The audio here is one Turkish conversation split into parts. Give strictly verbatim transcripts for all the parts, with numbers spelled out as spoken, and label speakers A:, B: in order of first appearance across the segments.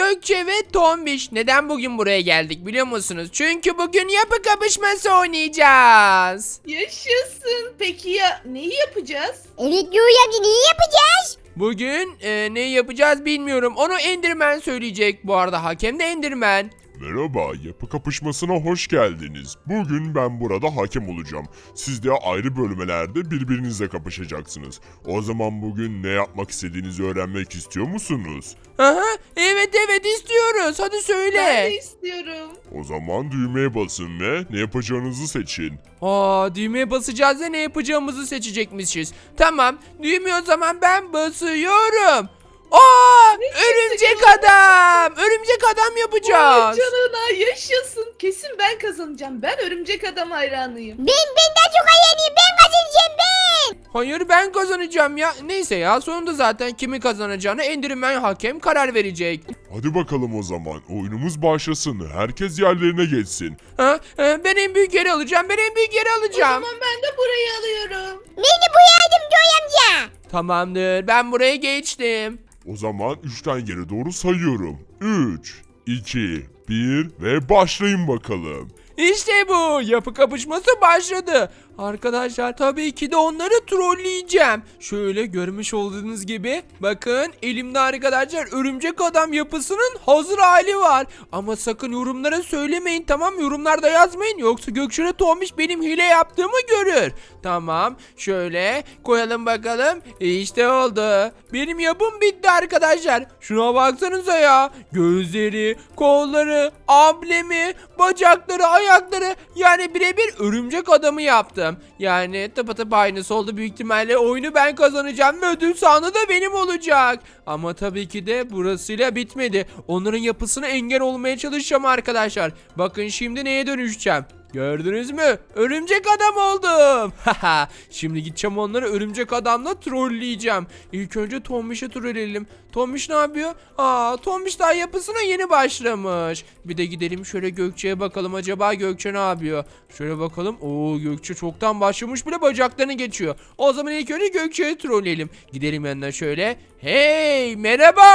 A: Gökçe ve Tombiş. Neden bugün buraya geldik biliyor musunuz? Çünkü bugün yapı kapışması oynayacağız.
B: Yaşasın. Peki ya neyi yapacağız?
C: Evet Yoy amca neyi yapacağız?
A: Bugün e, ne yapacağız bilmiyorum. Onu Enderman söyleyecek. Bu arada hakem de Enderman.
D: Merhaba, yapı kapışmasına hoş geldiniz. Bugün ben burada hakem olacağım. Siz de ayrı bölmelerde birbirinizle kapışacaksınız. O zaman bugün ne yapmak istediğinizi öğrenmek istiyor musunuz?
A: Aha, evet evet istiyoruz. Hadi
B: Ben
A: söyle.
B: de istiyorum.
D: O zaman düğmeye basın ve ne yapacağınızı seçin.
A: Aa, düğmeye basacağız da ne yapacağımızı seçecekmişiz. Tamam, düğmeye o zaman ben basıyorum. Aa, örümcek adam. Örümcek adam
B: Vay
A: yapacağız.
B: canına yaşasın. Kesin ben kazanacağım. Ben örümcek adam hayranıyım.
C: Ben ben daha çok hayaliyim ben kazanacağım ben.
A: Hayır ben kazanacağım ya. Neyse ya sonunda zaten kimi kazanacağını Enderman hakem karar verecek.
D: Hadi bakalım o zaman, oyunumuz başlasın. Herkes yerlerine geçsin.
A: Ha, ha, ben en büyük yeri alacağım. Ben en büyük yeri
B: O
A: alacağım.
B: zaman ben de burayı alıyorum.
C: Ben de bu yardım Yoy amca.
A: Tamamdır. Ben buraya geçtim.
D: O zaman üçten geri doğru sayıyorum. üç, iki, bir ve başlayın bakalım.
A: İşte bu. Yapı kapışması başladı. Arkadaşlar tabii ki de onları trolleyeceğim. Şöyle görmüş olduğunuz gibi bakın elimde arkadaşlar örümcek adam yapısının hazır hali var. Ama sakın yorumlara söylemeyin, tamam, yorumlarda yazmayın yoksa Gökçen'e Tombiş benim hile yaptığımı görür. Tamam, şöyle koyalım bakalım. İşte oldu. Benim yapım bitti arkadaşlar. Şuna baksanıza ya. Gözleri, kolları, amblemi, bacakları, ayakları, yani birebir örümcek adamı yaptım. Yani tıpatıp aynısı oldu. Büyük ihtimalle oyunu ben kazanacağım ve ödül sahanı da benim olacak. Ama tabii ki de burasıyla bitmedi. Onların yapısına engel olmaya çalışacağım arkadaşlar. Bakın şimdi neye dönüşeceğim. Gördünüz mü? Örümcek adam oldum. Haha. Şimdi gideceğim onları örümcek adamla trolleyeceğim. İlk önce Tombiş'i trolleyelim. Tombiş ne yapıyor? Aa, Tombiş daha yapısına yeni başlamış. Bir de gidelim şöyle Gökçe'ye bakalım. Acaba Gökçe ne yapıyor? Şöyle bakalım. Oo, Gökçe çoktan başlamış bile bacaklarını geçiyor. O zaman ilk önce Gökçe'yi trolleyelim. Gidelim yanına şöyle. Hey, merhaba.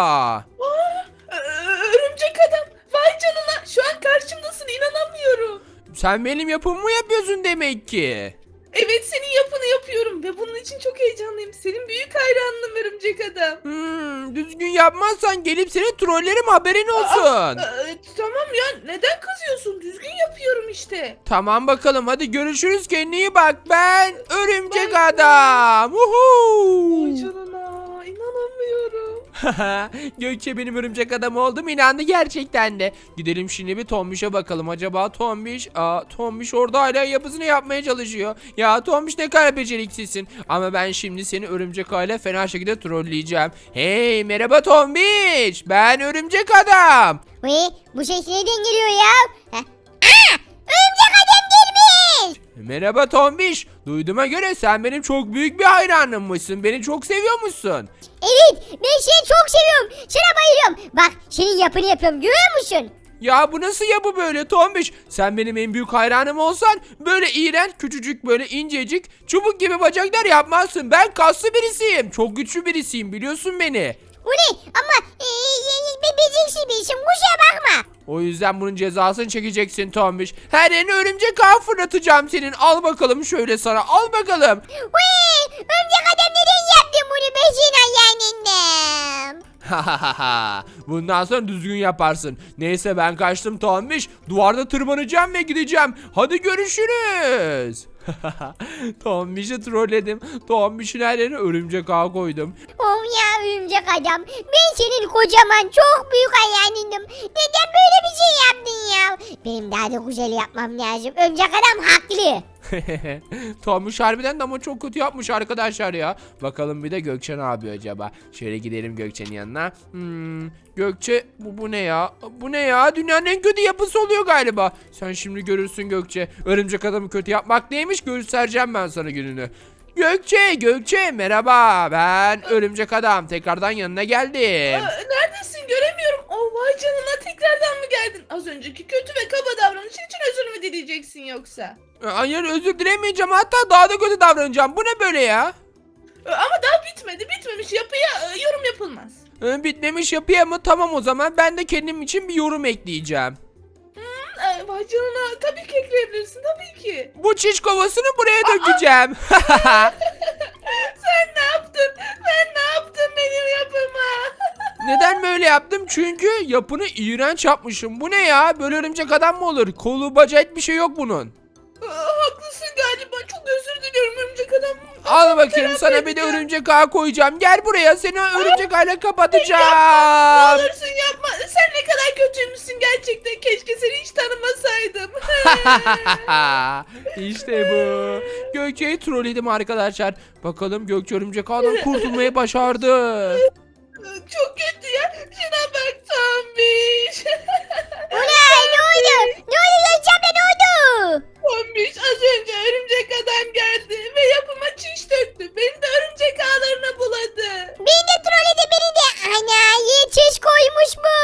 B: Aa, örümcek adam. Vay canına. Şu an karşımdasın. İnanamıyorum.
A: Sen benim yapımı mı yapıyorsun demek ki?
B: Evet senin yapını yapıyorum ve bunun için çok heyecanlıyım. Senin büyük hayranınım örümcek adam.
A: Hmm, düzgün yapmazsan gelip seni trollerim, haberin olsun.
B: Ee, tamam ya neden kızıyorsun? Düzgün yapıyorum işte.
A: Tamam bakalım, hadi görüşürüz, kendine iyi bak, ben örümcek
B: Bye.
A: adam. Uhu.
B: Vay canına inanamıyorum.
A: Gökçe benim örümcek adam oldum, inandı gerçekten de. Gidelim şimdi bir Tombiş'e bakalım. Acaba Tombiş, aa, Tombiş orada hala yapısını yapmaya çalışıyor. Ya Tombiş ne kadar beceriksizsin. Ama ben şimdi seni örümcek aile fena şekilde trolleyeceğim. Hey, merhaba Tombiş, ben örümcek adam.
C: Ve bu ses nereden geliyor ya? Ha? Aa, örümcek adam gelmiş.
A: Merhaba Tombiş. Duyduğuma göre sen benim çok büyük bir hayranımmışsın. Beni çok seviyormuşsun.
C: Evet ben seni çok seviyorum. Sana bayılıyorum. Bak senin yapını yapıyorum görüyor musun?
A: Ya bu nasıl yapı böyle Tombiş? Sen benim en büyük hayranım olsan böyle iğrenç, küçücük, böyle incecik, çubuk gibi bacaklar yapmazsın. Ben kaslı birisiyim. Çok güçlü birisiyim, biliyorsun beni.
C: Bu ne? Ama e, e, be- beceriksiz bir işim kusura bakma.
A: O yüzden bunun cezasını çekeceksin Tombiş. Her yerine örümcek ağı fırlatacağım senin. Al bakalım şöyle sana. Al bakalım.
C: Vee, örümcek adam neden yaptın bunu ben senin hayalindem?
A: Bundan sonra düzgün yaparsın. Neyse ben kaçtım Tombiş. Duvarda tırmanacağım ve gideceğim. Hadi görüşürüz. Tombiş'i trolledim. Tombiş'in her yerine örümcek ağı koydum.
C: Oh ya örümcek adam. Ben senin kocaman çok büyük hayalindim. Neden böyle bir şey yaptın ya? Benim daha da güzel yapmam lazım. Örümcek adam haklı.
A: Tombiş harbiden de ama çok kötü yapmış arkadaşlar ya. Bakalım bir de Gökçe ne yapıyor acaba? Şöyle gidelim Gökçe'nin yanına. Hmm, Gökçe bu, bu ne ya? Bu ne ya? Dünyanın en kötü yapısı oluyor galiba. Sen şimdi görürsün Gökçe. Örümcek adamı kötü yapmak neymiş göstereceğim ben sana gününü. Gökçe, Gökçe merhaba. Ben örümcek adam. Tekrardan yanına geldim.
B: Aa, neredesin göremiyorum. Oh vay canına tekrardan mı geldin? Az önceki kötü ve kaba davranışın için özür mü dileyeceksin yoksa?
A: Hayır, özür dilemeyeceğim. Hatta daha da kötü davranacağım. Bu ne böyle ya?
B: Ama daha bitmedi bitmemiş yapıya e, yorum yapılmaz.
A: Ee, bitmemiş yapıya mı? Tamam o zaman ben de kendim için bir yorum ekleyeceğim.
B: Ay, vay canına tabii ki ekleyebilirsin tabii ki.
A: Bu çiş kovasını buraya dökeceğim.
B: Sen ne yaptın? Sen ne yaptın benim yapıma?
A: Neden böyle yaptım? Çünkü yapını iğrenç yapmışım. Bu ne ya? Böyle örümcek adam mı olur? Kolu bacağı hiçbir şey yok bunun.
B: Aa, haklısın galiba. Çok özür diliyorum örümcek adam.
A: Al bakayım
B: Terapi
A: sana bir de
B: edeceğim.
A: örümcek ağ koyacağım. Gel buraya seni örümcek ağıyla
B: Ne
A: kapatacağım.
B: olursun yapma. Sen ne kadar kötüymüşsün gerçekten. Keşke seni hiç tanımasaydım.
A: İşte bu. Gökçe'yi trolledim arkadaşlar. Bakalım Gökçe örümcek ağdan kurtulmayı başardı.
B: Çok kötü ya. Şuna bak Tombiş.
C: Ulan ne oldu? Ne oldu Gökçe abla ne oldu?
B: Tombiş az önce örümcek adam geldi ve yapıma çiş döktü. Beni de örümcek ağlarına buladı.
C: Beni de trolledi beni de. Ana iyi çiş koymuş bu.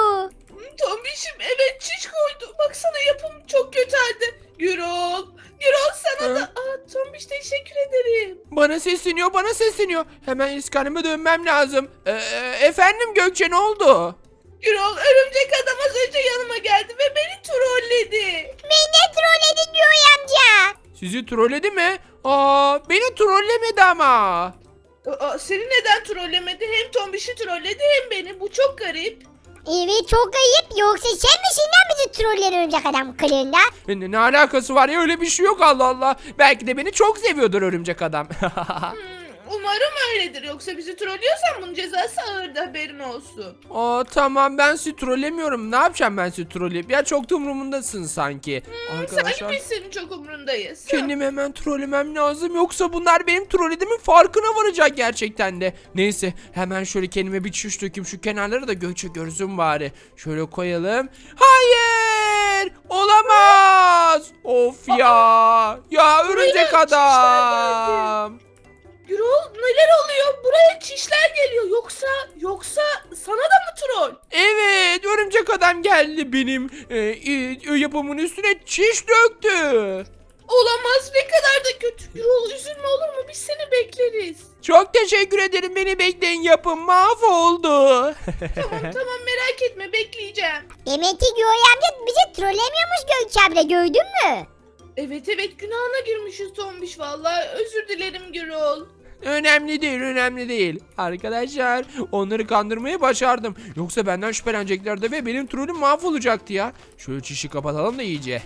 B: Tombiş'im evet çiş koydu. Baksana yapım çok kötü halde. Gürol. Gürol sana da. Aa Tombiş teşekkür ederim.
A: Bana sesleniyor bana sesleniyor. Hemen iskanıma dönmem lazım. Ee, efendim Gökçe ne oldu?
B: Gürol örümcek adam az önce yanıma geldi ve beni trolledi.
C: Beni de trolledi diyor amca.
A: Sizi trolledi mi? Aa, beni trollemedi ama.
B: Aa, seni neden trollemedi? Hem Tombiş'i trolledi hem beni. Bu çok garip.
C: Evet çok ayıp. Yoksa sen misin lan bizi trolleyen örümcek adam kılığında?
A: Ne, ne alakası var ya öyle bir şey yok Allah Allah. Belki de beni çok seviyordur örümcek adam.
B: Hmm, umarım öyledir. Yoksa bizi trollüyorsan bunun cezası ağırdı haberin olsun.
A: Aa, tamam ben sizi trollemiyorum. Ne yapacağım ben sizi trolleyip? Ya çok da umurumdasın sanki.
B: Sanki
A: Arkadaşlar
B: biz senin çok umrundayız.
A: kendimi hemen trollemem lazım. Yoksa bunlar benim trollediğimin farkına varacak gerçekten de. Neyse hemen şöyle kendime bir çiş dökeyim. Şu kenarları da Gökçe görsün bari. Şöyle koyalım. Hayır! Olamaz! Of ya! Ya örümcek
B: çişler
A: adam!
B: Gürol neler oluyor? Buraya çişler geliyor. Yoksa yoksa sana da mı troll?
A: Evet örümcek adam geldi benim e, e, yapımın üstüne çiş döktü.
B: Olamaz ne kadar da kötü. Gürol üzülme olur mu? Biz seni bekleriz.
A: Çok teşekkür ederim beni bekleyin yapım mahvoldu.
B: Tamam tamam merak etme bekleyeceğim.
C: Demek ki Göğe amca bizi trollemiyormuş Gökçe abla gördün mü?
B: Evet evet günahına girmişiz Tombiş vallahi. Özür dilerim Gürol.
A: Önemli değil önemli değil. Arkadaşlar onları kandırmayı başardım. Yoksa benden şüpheleneceklerdi ve benim trolüm mahvolacaktı ya. Şöyle çişi kapatalım da iyice.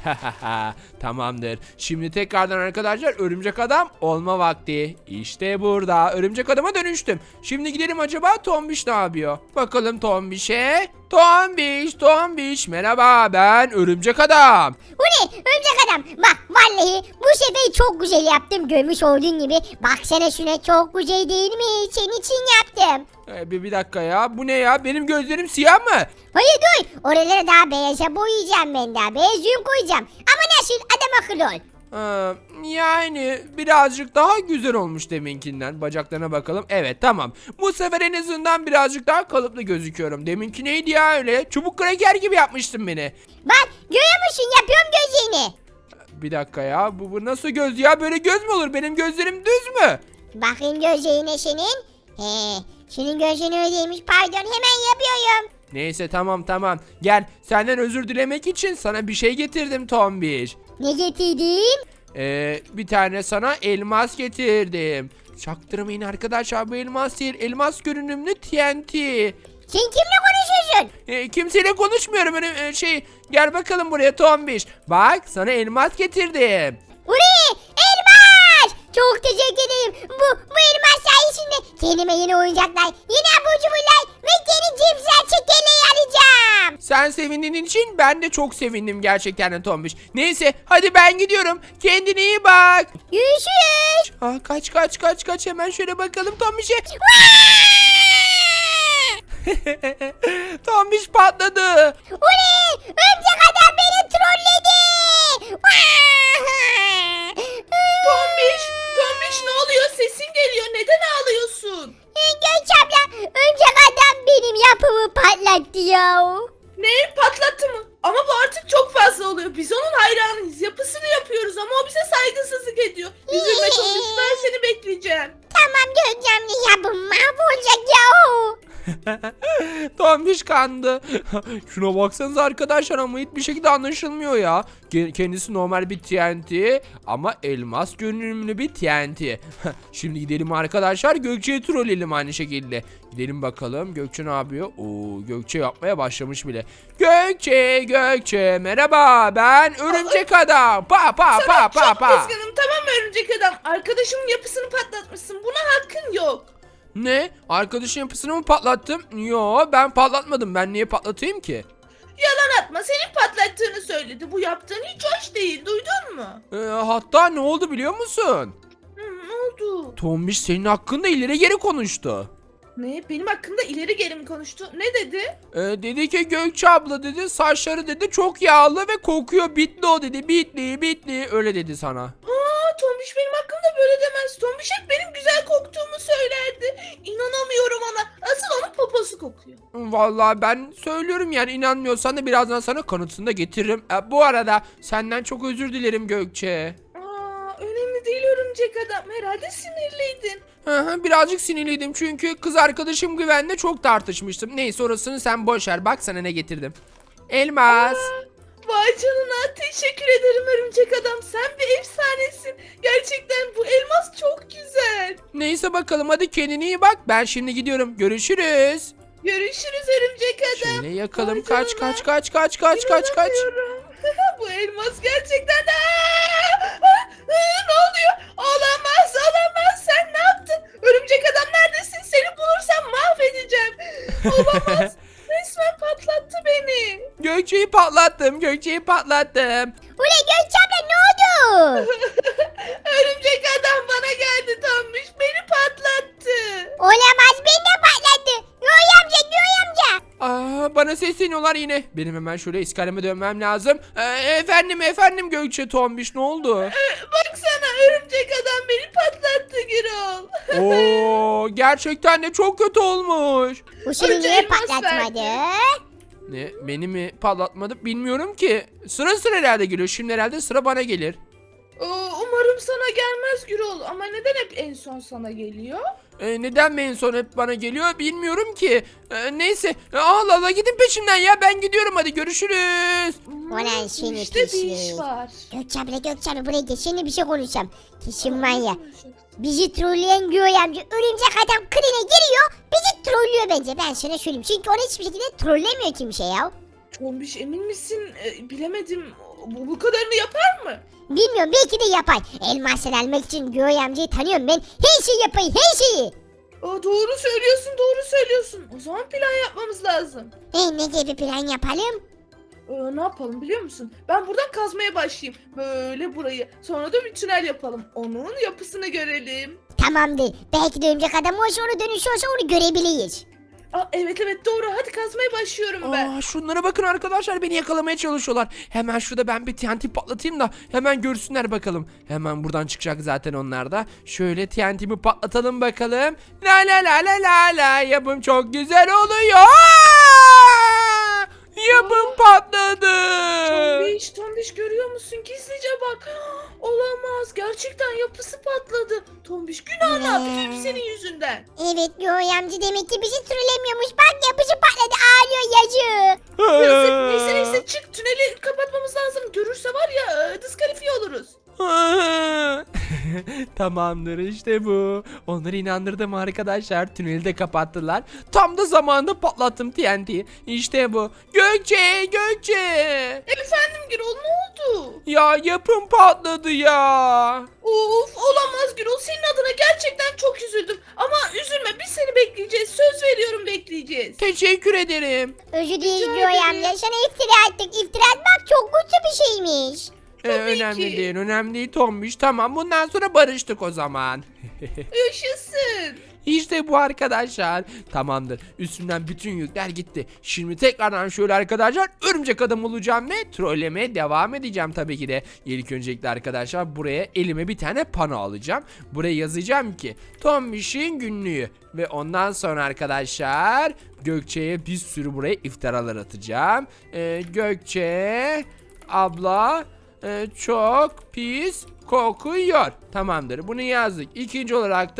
A: Tamamdır. Şimdi tekrardan arkadaşlar örümcek adam olma vakti. İşte burada örümcek adama dönüştüm. Şimdi gidelim acaba Tombiş ne yapıyor? Bakalım Tombiş'e. Tombiş Tombiş merhaba ben örümcek adam.
C: Bu ne örümcek adam? Bak vallahi bu sefer çok güzel yaptım görmüş olduğun gibi. Baksana şuna çok güzel değil mi? Senin için yaptım.
A: Ee, bir, bir dakika ya bu ne ya benim gözlerim siyah mı?
C: Hayır dur. Oraları daha beyaza boyayacağım ben daha. Beyaz yün koyacağım. Ama nasıl adam akıllı ol.
A: Ee, yani birazcık daha güzel olmuş deminkinden. Bacaklarına bakalım. Evet tamam. Bu sefer en azından birazcık daha kalıplı gözüküyorum. Deminki neydi ya öyle? Çubuk kraker gibi yapmıştın beni.
C: Bak görüyor musun yapıyorum gözlerini.
A: Bir dakika ya. Bu, bu nasıl göz ya? Böyle göz mü olur? Benim gözlerim düz mü?
C: Bakın gözlerine senin. He, senin gözlerin öyleymiş pardon hemen yapıyorum.
A: Neyse tamam tamam. Gel senden özür dilemek için sana bir şey getirdim Tombiş.
C: Ne getirdin?
A: Ee, bir tane sana elmas getirdim. Çaktırmayın arkadaşlar bu elmas değil. Elmas görünümlü T N T.
C: Sen kimle konuşuyorsun?
A: E, kimseyle konuşmuyorum öyle e, şey. Gel bakalım buraya Tombiş. Bak sana elmas getirdim.
C: Uri elmas! Çok teşekkür ederim. Bu, bu elmas sayesinde kendime yeni oyuncaklar, yeni abur cuburlar ve yeni cipsler çekirdeği alacağım.
A: Sen sevindiğin için ben de çok sevindim gerçekten de Tombiş. Neyse hadi ben gidiyorum. Kendine iyi bak.
C: Görüşürüz.
A: Aa, kaç kaç kaç kaç hemen şöyle bakalım Tombiş'e. Tombiş patladı.
C: Uri örümcek adam beni trolledi.
B: Tombiş, Tombiş ne oluyor? Sesin geliyor. Neden ağlıyorsun?
C: Gökçe abla örümcek adam benim yapımı patlattı ya.
B: Ne? Patlattı mı? Ama bu artık çok fazla oluyor. Biz onun hayranıyız. Yapısını yapıyoruz ama o bize saygısızlık ediyor. Üzülme Tombiş ben seni bekleyeceğim.
C: Tamam Gökçem'le ya bu mahvolacak ya.
A: Tombiş kandı. Şuna baksanıza arkadaşlar ama hiçbir şekilde anlaşılmıyor ya. Ke- Kendisi normal bir T N T ama elmas görünümlü bir T N T. Şimdi gidelim arkadaşlar Gökçe'yi trolleyelim aynı şekilde. Gidelim bakalım Gökçe ne yapıyor? Oo, Gökçe yapmaya başlamış bile. Gökçe, Gökçe merhaba ben örümcek adam. Pa pa pa pa
B: Çok
A: pa.
B: kızgınım, tamam mı örümcek adam? Arkadaşımın yapısını patlatmışsın. Buna hakkın yok.
A: Ne? Arkadaşın yapısını mı patlattım? Yo ben patlatmadım. Ben niye patlatayım ki?
B: Yalan atma, senin patlattığını söyledi. Bu yaptığın hiç hoş değil, duydun mu?
A: Ee, hatta ne oldu biliyor musun?
B: Hı, ne oldu?
A: Tombiş senin hakkında ileri geri konuştu.
B: Ne? Benim hakkımda ileri geri mi konuştu? Ne dedi?
A: Ee, dedi ki Gökçe abla dedi saçları dedi çok yağlı ve kokuyor bitli o dedi bitli bitli öyle dedi sana.
B: Aa, Tombiş benim hakkımda böyle demez. Tombiş hep benim güzel koktuğumu söylerdi. İnanamıyorum ona. Asıl onun poposu kokuyor.
A: Vallahi ben söylüyorum yani inanmıyorsan da birazdan sana kanıtını da getiririm. Ee, bu arada senden çok özür dilerim Gökçe.
B: Aa, önemli değil örümcek adam. Herhalde sinirliydin.
A: Hı hı, birazcık sinirliydim çünkü kız arkadaşım Güven'le çok tartışmıştım. Neyse orasını sen boş ver bak sana ne getirdim. Elmas.
B: Vay canına, teşekkür ederim örümcek adam. Sen bir efsanesin. Gerçekten bu elmas çok güzel.
A: Neyse bakalım hadi kendine iyi bak. Ben şimdi gidiyorum. Görüşürüz.
B: Görüşürüz örümcek adam.
A: Şöyle yakalım.
B: Vay
A: Kaç
B: canına.
A: kaç kaç kaç kaç kaç kaç.
B: İnanamıyorum. Bu elmas gerçekten... Aa! Aa! Ne oluyor? Olamaz, olamaz. Sen ne yaptın? Örümcek adam neredesin? Seni bulursam mahvedeceğim. Olamaz. Resmen patlattı beni.
A: Gökçe'yi patlattım. Gökçe'yi patlattım.
C: Ulan Gökçem'le ne oldu?
B: Örümcek adam bana geldi Tombiş. Beni patlattı.
C: Olamaz beni de patlattı. Yoy amca Yoy amca.
A: Aa, bana sesleniyorlar yine. Benim hemen şöyle iskaleme dönmem lazım. Ee, efendim efendim Gökçe Tombiş ne oldu?
B: Baksana örümcek adam beni patlattı Gürol.
A: Oo, gerçekten de çok kötü olmuş.
C: Bu seni
B: Önce
C: niye
B: elmas
C: patlatmadı?
A: Ne beni mi patlatmadı bilmiyorum ki. Sıra sıra herhalde geliyor. Şimdi herhalde sıra bana gelir.
B: Oo, umarım sana gelmez Gürol. Ama neden hep en son sana geliyor?
A: Ee, neden en son hep bana geliyor bilmiyorum ki. Ee, neyse Allah Allah gidin peşimden ya ben gidiyorum hadi görüşürüz.
C: Ulan seni
B: İşte bir
C: pislik.
B: iş var.
C: Gökçem'le Gökçem'le buraya gel. Seninle bir şey konuşacağım. Kesin var ya. Bizi trolleyen Yoy amca örümcek adam kırına giriyor. Bizi trollüyor bence. Ben sana söyleyeyim. Çünkü onu hiçbir şekilde trollemiyor kimse ya.
B: Tombiş emin misin? Ee, bilemedim. Bu, bu kadarını yapar mı?
C: Bilmiyorum belki de yapar. Elmasını almak için Yoy amcayı tanıyorum ben. Her şeyi yapayım her şeyi.
B: Aa, doğru söylüyorsun, doğru söylüyorsun. O zaman plan yapmamız lazım.
C: E, ne gibi plan yapalım?
B: Ee, ne yapalım biliyor musun? Ben buradan kazmaya başlayayım. Böyle burayı. Sonra da bir tünel yapalım. Onun yapısını görelim.
C: Tamamdır. Belki de örümcek adam olsa onu dönüşüyorsa onu görebiliriz.
B: Aa, evet evet doğru. Hadi kazmaya başlıyorum ben.
A: Aa, şunlara bakın arkadaşlar beni yakalamaya çalışıyorlar. Hemen şurada ben bir T N T patlatayım da hemen görsünler bakalım. Hemen buradan çıkacak zaten onlar da. Şöyle T N T'mi patlatalım bakalım. La la la la la la yapım çok güzel oluyor. Aa! Yapım patladı.
B: Tombiş, Tombiş görüyor musun? Gizlice bak. Olamaz. Gerçekten yapısı patladı. Tombiş günah ne yaptı? Hep senin yüzünden.
C: Evet Yoy amca demek ki bizi trollemiyormuş. Bak yapıcı patladı ağlıyor yazık.
B: Yazık. Neyse neyse çık. Tüneli kapatmamız lazım. Görürse var ya e, diskalifiye oluruz.
A: Tamamdır işte bu. Onları inandırdım arkadaşlar. Tüneli de kapattılar. Tam da zamanında patlattım T N T'yi. İşte bu. Gökçe, Gökçe.
B: Efendim Gürol ne oldu?
A: Ya yapım patladı ya.
B: Of olamaz Gürol. Senin adına gerçekten çok üzüldüm. Ama üzülme biz seni bekleyeceğiz. Söz veriyorum bekleyeceğiz.
A: Teşekkür ederim.
C: Özür dileriz
B: Rica
C: Yoy
B: ederim.
C: amca. Sana iftira ettik. İftira etmek çok kötü bir şeymiş.
A: Ee, önemli
B: ki.
A: değil, önemli değil Tombiş. Tamam bundan sonra barıştık o zaman.
B: Yaşasın.
A: İşte bu arkadaşlar. Tamamdır. Üstümden bütün yükler gitti. Şimdi tekrardan şöyle arkadaşlar örümcek adam olacağım ve trollemeye devam edeceğim tabii ki de. İlk öncelikle arkadaşlar buraya elime bir tane pano alacağım. Buraya yazacağım ki Tombiş'in günlüğü. Ve ondan sonra arkadaşlar Gökçe'ye bir sürü buraya iftiralar atacağım. Ee, Gökçe abla e, çok pis kokuyor. Tamamdır bunu yazdık. İkinci olarak da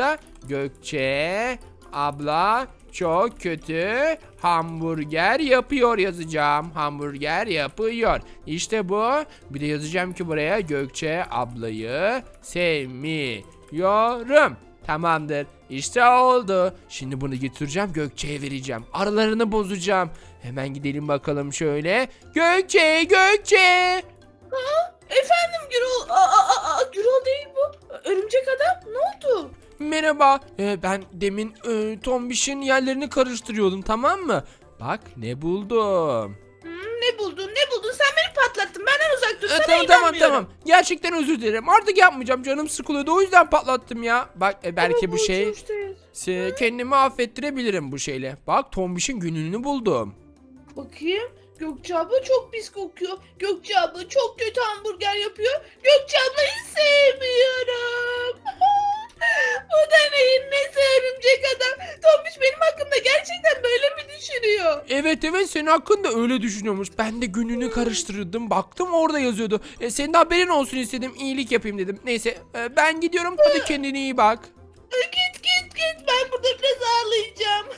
A: Gökçe abla çok kötü hamburger yapıyor yazacağım. Hamburger yapıyor. İşte bu. Bir de yazacağım ki buraya Gökçe ablayı sevmiyorum. Tamamdır. İşte oldu. Şimdi bunu getireceğim Gökçe'ye vereceğim. Aralarını bozacağım. Hemen gidelim bakalım şöyle. Gökçe, Gökçe.
B: Efendim Gürol. Aa, aa, aa, Gürol değil bu. Örümcek adam ne oldu?
A: Merhaba. Ee, ben demin e, Tombiş'in yerlerini karıştırıyordum, tamam mı? Bak ne buldum.
B: Hmm, ne buldun ne buldun sen beni patlattın benden uzak dur
A: Ee,
B: sana
A: tamam tamam
B: inanmıyorum.
A: tamam. Gerçekten özür dilerim. Artık yapmayacağım. Canım sıkılıyordu. O yüzden patlattım ya. Bak e, belki
B: Ama
A: bu şey
B: işte.
A: se- kendimi affettirebilirim bu şeyle. Bak Tombiş'in günlüğünü buldum.
B: Bakayım. Gökçe abla çok pis kokuyor. Gökçe abla çok kötü hamburger yapıyor. Gökçe ablayı sevmiyorum. Bu da neyin nesi örümcek adam? Tombiş benim hakkımda gerçekten böyle mi düşünüyor?
A: Evet evet, senin hakkında öyle düşünüyormuş. Ben de günlüğünü karıştırdım. Baktım orada yazıyordu. E, senin de haberin olsun istedim. İyilik yapayım dedim. Neyse e, ben gidiyorum. Hadi kendine iyi bak.
B: Git git git ben burada biraz ağlayacağım.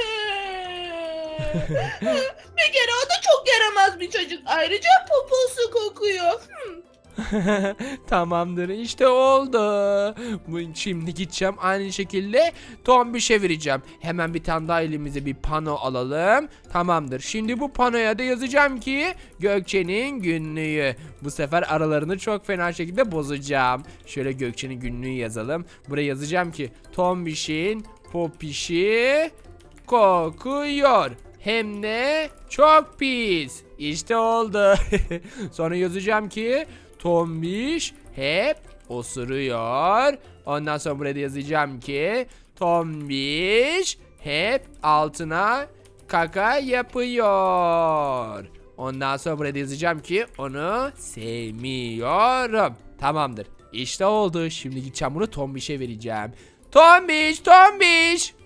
B: Bir kere o da çok yaramaz bir çocuk. Ayrıca poposu kokuyor. Hmm.
A: Tamamdır, işte oldu. Bu- Şimdi gideceğim aynı şekilde Tombiş'e vereceğim. Hemen bir tane daha elimize bir pano alalım. Tamamdır. Şimdi bu panoya da yazacağım ki Gökçe'nin günlüğü. Bu sefer aralarını çok fena şekilde bozacağım. Şöyle Gökçe'nin günlüğü yazalım. Buraya yazacağım ki Tombiş'in popişi kokuyor. Hem de çok pis. İşte oldu. Sonra yazacağım ki Tombiş hep osuruyor. Ondan sonra buraya da yazacağım ki Tombiş hep altına kaka yapıyor. Ondan sonra buraya da yazacağım ki onu sevmiyorum. Tamamdır. İşte oldu. Şimdi gideceğim bunu Tombiş'e vereceğim. Tombiş, Tombiş.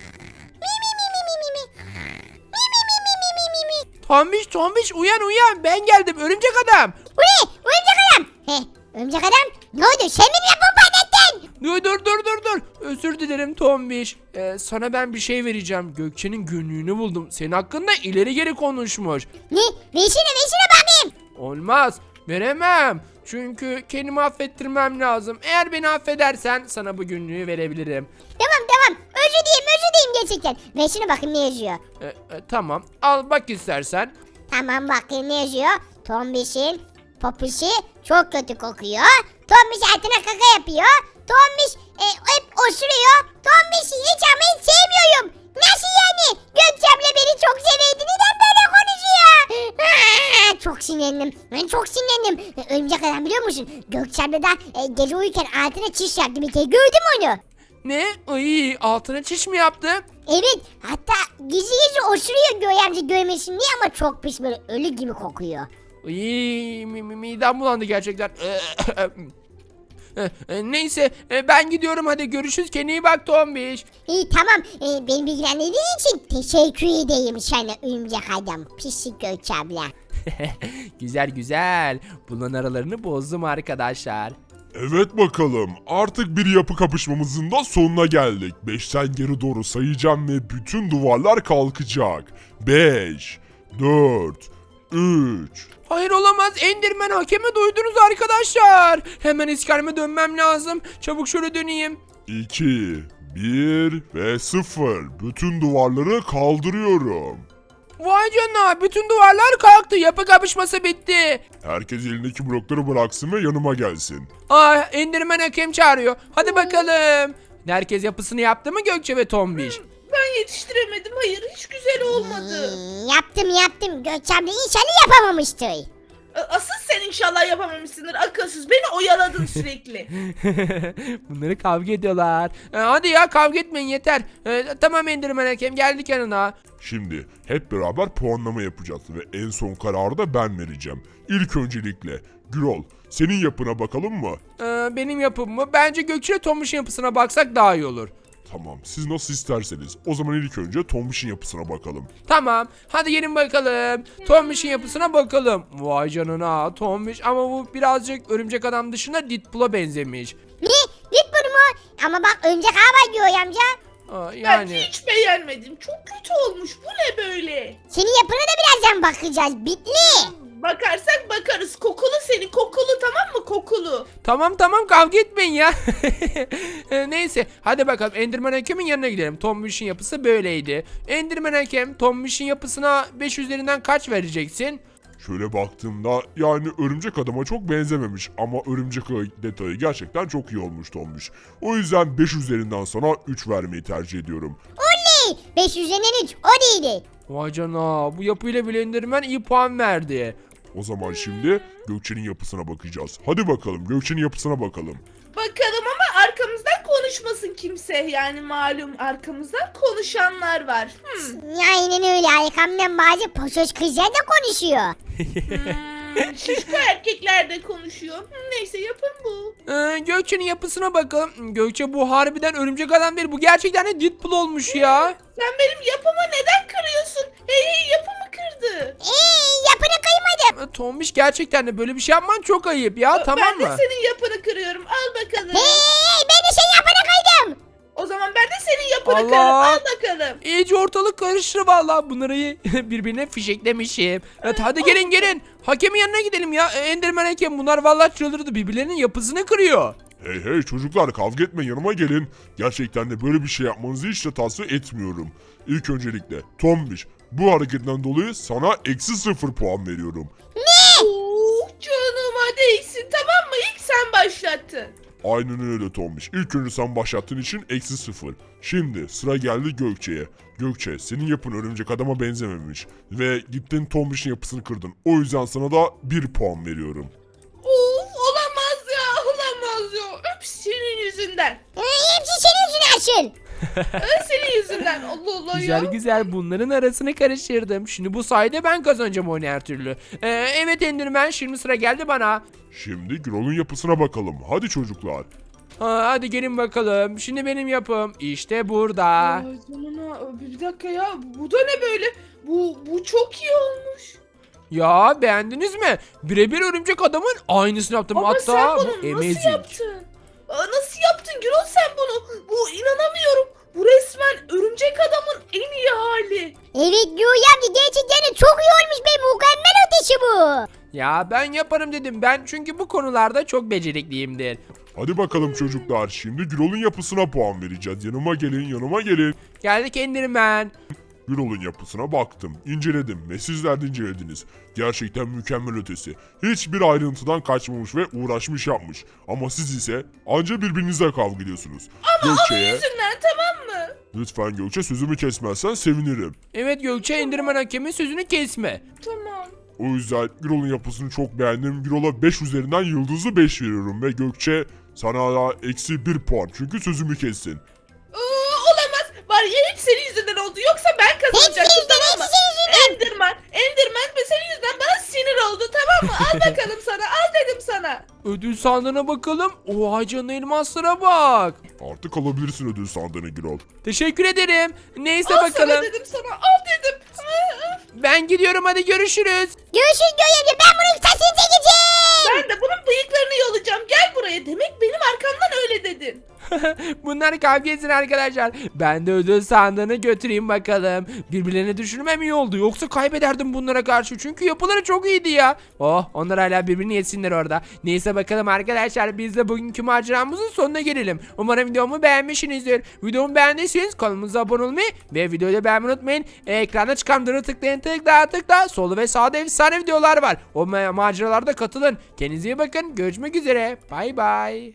A: Tombiş, Tombiş uyan uyan. Ben geldim örümcek adam.
C: Bu ne? Örümcek adam. He, örümcek adam. Ne oldu? Sen mi yapın patlattın?
A: Dur dur dur dur dur. Özür dilerim Tombiş. Ee, sana ben bir şey vereceğim. Gökçe'nin günlüğünü buldum. Senin hakkında ileri geri konuşmuş.
C: Ne? Versene versene bakayım.
A: Olmaz. Veremem. Çünkü kendimi affettirmem lazım. Eğer beni affedersen sana bu günlüğü verebilirim.
C: Tamam tamam. Özür dileyim özür dileyim gerçekten. Versene bakayım ne yazıyor.
A: Ee, e, tamam. Al bak istersen.
C: Tamam bakayım ne yazıyor. Tombiş'in popişi çok kötü kokuyor. Tombiş altına kaka yapıyor. Tombiş e, hep osuruyor. Tombiş'i hiç ama hiç sevmiyorum. Nasıl yani? Gökçe abla beni çok severdi. Neden böyle konuşuyor? Aa, çok sinirlendim. Ben çok sinirlendim. E, Örümcek adam biliyor musun? Gökçe abla da e, gece uyurken altına çiş yaptı bir kere. Gördün mü onu?
A: Ne? Ay, altına çiş mi yaptı?
C: Evet. Hatta gizli gizli osuruyor Göğe amca görmesin diye ama çok pis böyle ölü gibi kokuyor.
A: Ay, mi- mi- midem bulandı gerçekten. Ee, Neyse e, ben gidiyorum, hadi görüşürüz, kendine iyi bak Tombiş.
C: İyi tamam. Ee, beni bilgilendirdiğin için teşekkür edeyim sana örümcek adam. Pislik Gökçe abla.
A: Güzel güzel. Bunların aralarını bozdum arkadaşlar.
D: Evet bakalım, artık bir yapı kapışmamızın da sonuna geldik. beşten geri doğru sayacağım ve bütün duvarlar kalkacak. beş, dört, üç.
A: Hayır olamaz, Enderman hakemi duydunuz arkadaşlar. Hemen iskaleme dönmem lazım. Çabuk şöyle döneyim.
D: iki, bir ve sıfır. Bütün duvarları kaldırıyorum.
A: Vay canına, bütün duvarlar kalktı, yapı kapışması bitti.
D: Herkes elindeki blokları bıraksın ve yanıma gelsin.
A: Aa, Enderman hakem çağırıyor. Hadi bakalım. Herkes yapısını yaptı mı Gökçe ve Tombiş?
B: Ben yetiştiremedim hayır hiç güzel olmadı.
C: Hmm, yaptım yaptım. Gökçe abla inşallah yapamamıştır.
B: Asıl sen inşallah yapamamışsındır akılsız beni oyaladın sürekli.
A: Bunları kavga ediyorlar. Ee, hadi ya, kavga etmeyin yeter. Ee, tamam Enderman hakem, geldik yanına.
D: Şimdi hep beraber puanlama yapacağız ve en son kararı da ben vereceğim. İlk öncelikle Gürol, senin yapına bakalım mı?
A: Ee, benim yapım mı? Bence Gökçe Tombiş'in yapısına baksak daha iyi olur.
D: Tamam, siz nasıl isterseniz. O zaman ilk önce Tombiş'in yapısına bakalım.
A: Tamam. Hadi gelin bakalım. Tombiş'in yapısına bakalım. Vay canına Tombiş, ama bu birazcık örümcek adam dışında Deadpool'a benzemiş.
C: Ne? Git bunu mu? Ama bak örümcek ağa var Göğe amca.
A: Aa,
B: Ben
A: yani
B: hiç beğenmedim. Çok kötü olmuş. Bu ne böyle?
C: Senin yapına da birazdan bakacağız. Bitli.
B: Bakarsak bakarız. Kokulu senin. Kokulu, tamam mı? Kokulu.
A: tamam tamam kavga etmeyin ya. E, Neyse hadi bakalım Enderman Hakem'in yanına gidelim. Tombiş'in yapısı böyleydi. Enderman Hakem Tombiş'in yapısına beş üzerinden kaç vereceksin?
D: Şöyle baktığımda yani örümcek adama çok benzememiş ama örümcek ağı detayı gerçekten çok iyi olmuş Tombiş. O yüzden beş üzerinden sana üç vermeyi tercih ediyorum.
C: Oley. beş üzerinden üç. O değildi.
A: Vay canına bu yapıyla bile Enderman iyi puan verdi.
D: O zaman şimdi Gökçe'nin yapısına bakacağız. Hadi bakalım Gökçe'nin yapısına bakalım.
B: Bakalım ama arkamızdan konuşmasın kimse. Yani malum arkamızdan konuşanlar var. Hmm.
C: Aynen öyle. Arkamdan bazı poşoş kızlar da konuşuyor.
B: Hmm, şişko erkekler de konuşuyor. Hmm, neyse yapın bu.
A: Ee, Gökçe'nin yapısına bakalım. Gökçe bu harbiden örümcek adam değil. Bu gerçekten de Deadpool olmuş ya.
B: Sen benim yapımı neden kırıyorsun? Hey hey, yapımı kırdı.
C: Eee yapını kıymadım.
A: Ee, Tombiş gerçekten de böyle bir şey yapman çok ayıp ya, tamam
B: Ben
A: mı?
B: de senin yapını kırıyorum. Al bakalım.
C: Hey ben de senin yapını kıydım.
B: O zaman ben de senin yapını
A: Allah.
B: kırarım. Al bakalım.
A: İyice ortalık karıştı valla. Bunları birbirine fişeklemişim. Evet hadi gelin gelin. Hakemin yanına gidelim ya. Ee, Enderman Hakem bunlar valla çıldırdı. Birbirlerinin yapısını kırıyor.
D: Hey hey çocuklar kavga etme yanıma gelin. Gerçekten de böyle bir şey yapmanızı hiç de tavsiye etmiyorum. İlk öncelikle Tombiş bu hareketten dolayı sana eksi sıfır puan veriyorum.
B: Oh, canıma değsin, tamam mı? İlk sen başlattın.
D: Aynen öyle Tombiş. İlk önce sen başlattığın için eksi sıfır. Şimdi sıra geldi Gökçe'ye. Gökçe senin yapın örümcek adama benzememiş. Ve gittin Tombiş'in yapısını kırdın. O yüzden sana da bir puan veriyorum.
B: Of, olamaz ya, olamaz ya. Öp, senin yüzünden.
C: Ee, hepsi senin yüzünden asıl.
B: Öp, senin yüzünden. Allah Allah
A: Güzel
B: ya.
A: güzel bunların arasını karıştırdım. Şimdi bu sayede ben kazanacağım oyunu her türlü. Ee, evet Enderman şimdi sıra geldi bana.
D: Şimdi Gürol'un yapısına bakalım. Hadi çocuklar.
A: Ha, hadi gelin bakalım. Şimdi benim yapım işte burada.
B: Ay canına, bir dakika ya. Bu da ne böyle? Bu, bu çok iyi olmuş.
A: Ya beğendiniz mi? Birebir örümcek adamın aynısını yaptım.
B: Ama
A: Hatta
B: sen
A: bu
B: bunu nasıl
A: amazing.
B: yaptın? Aa, nasıl yaptın Gürol sen bunu? Bu inanamıyorum. Bu resmen örümcek adamın en iyi hali.
C: Evet Göğe amca gerçekten de çok iyi olmuş be. Mükemmel ötesi bu.
A: Ya ben yaparım dedim. Ben çünkü bu konularda çok becerikliyimdir.
D: Hadi bakalım çocuklar. Şimdi Gürol'un yapısına puan vereceğiz. Yanıma gelin yanıma gelin.
A: Geldik Enderman.
D: Gürol'un yapısına baktım, inceledim ve sizler de incelediniz. Gerçekten mükemmel ötesi. Hiçbir ayrıntıdan kaçmamış ve uğraşmış yapmış. Ama siz ise anca birbirinizle kavga ediyorsunuz. Gökçe'ye,
B: Yüzünden, tamam mı?
D: lütfen Gökçe sözümü kesmezsen sevinirim.
A: Evet Gökçe Enderman hakemin sözünü kesme.
B: Tamam.
D: O yüzden Gürol'un yapısını çok beğendim. Gürol'a beş üzerinden yıldızlı beş veriyorum ve Gökçe sana da eksi bir puan çünkü sözümü kestin.
B: Aa, olamaz. Var ya, hep senin yüzünden oldu. Yoksa ben kazanacaktım,
C: Hepsi yüzünden,
B: tamam mı?
C: hepsi senin yüzünden.
B: Enderman, Enderman ve senin yüzünden bana sinir oldu, tamam mı? Al bakalım sana, al dedim sana.
A: Ödül sandığına bakalım. Oha canına elmaslara bak.
D: Artık alabilirsin ödül sandığını Gürol.
A: Teşekkür ederim. Neyse
B: Al
A: bakalım.
B: sana dedim sana, al dedim. Aa,
A: Ben gidiyorum hadi görüşürüz.
C: Görüşürüz Göğe amca. Ben bunun sesini çekeceğim.
B: Ben de bunun bıyıklarını yolacağım. Gel buraya. Demek benim arkamdan öyle dedin.
A: Bunlar kavga etsin arkadaşlar. Ben de ödül sandığını götüreyim bakalım. Birbirlerine düşürmem iyi oldu. Yoksa kaybederdim bunlara karşı. Çünkü yapıları çok iyiydi ya. Oh onlar hala birbirini yesinler orada. Neyse bakalım arkadaşlar. Biz de bugünkü maceramızın sonuna gelelim. Umarım videomu beğenmişsinizdir. Videomu beğendiyseniz kanalımıza abone olmayı ve videoyu da beğenmeyi unutmayın. Ekranda çıkan duru tıklayın tıkla tıkla. Solda ve sağda efsane videolar var. O ma- maceralarda katılın. Kendinize iyi bakın. Görüşmek üzere. Bay bay.